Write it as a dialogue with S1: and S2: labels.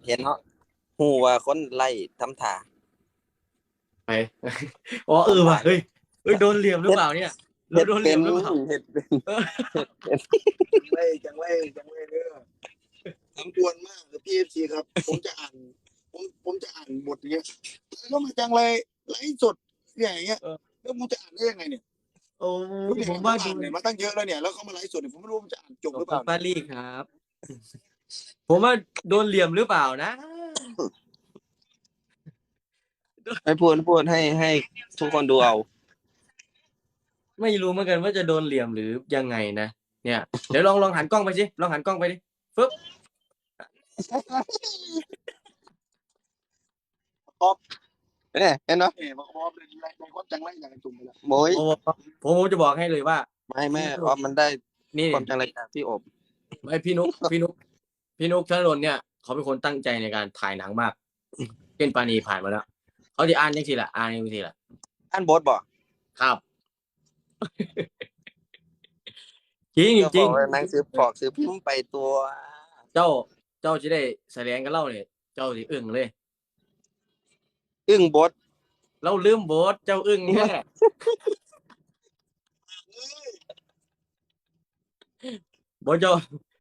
S1: เห็นเนาะฮู้ว่าคนไล่ทำท่า
S2: ไปอ๋อเออ
S1: ทำท่า
S2: ว่ะเฮ้ยโดนเหลี่ยมหรือ
S1: เฮ็ด
S2: เปล่าเนี่ยเรา
S1: เฮ็ด
S2: โดนเห
S1: เป็น
S2: ลี่ยมหรือเปล่า
S1: เฮ็ดเป็น
S2: เออ
S1: เฮ็ด
S3: จังไรเด้อสำควรมากพี่เอฟซีครับผมจะอ่านบทอย่างเงี้ยแล้วก็มาจังไรไลฟ์สดอย่างเงี้ยแล้วผมจะอ่านได้ยังไงเนี่ย
S2: โอ้
S3: รู้เนี่ย
S2: ผมว่าโด
S3: อ่าน
S2: น
S3: เนี่ยมาตั้งเยอะแล้วเนี่ยแล้วเขามาไลฟ์สดเนี่ยผมไม่รู้มันจะอ่านจบหรือเปล่า
S2: ปารีสครับผมว่าโดนเหลี่ยมหรือเปล่านะ
S1: ไม่พูดให้ทุกคนดูเอา
S2: ไม่รู้เหมือนกันว่าจะโดนเหลี่ยมหรือยังไงนะเนี่ยเดี๋ยวลองหันกล้องไปสิลองหันกล้องไปดิฟึ๊บ
S1: เนี่ยเห็นเนาะ
S3: มาครอบเลยในความจังไรอย่างจุ่มไปแล้ว
S1: โมย
S2: ผมจะบอกให้เลยว่า
S1: ไม่
S2: พี่
S1: ออมมันได้
S2: นี่
S1: ความจังไรจากพี่อบ
S2: ไอพี่นุกธนดลเนี่ยเขาเป็นคนตั้งใจในการถ่ายหนังมากเช่นปานีผ่านมาแล้วเขาจะอ่านยังทีละอ่านยังทีละ
S1: อ่านบทบ่
S2: ครับ จริง
S1: ก็
S2: จริง
S1: บอกว่าหนังสือปอกซื้อพิมพ์ไปตัว
S2: เจ้าจะได้แสดงกับเล่าเนี่ยเจ้าสิอึ้งเลย
S1: อึ้งบท
S2: เราลืมบทเจ้าอึ้งแค่บทเจ้า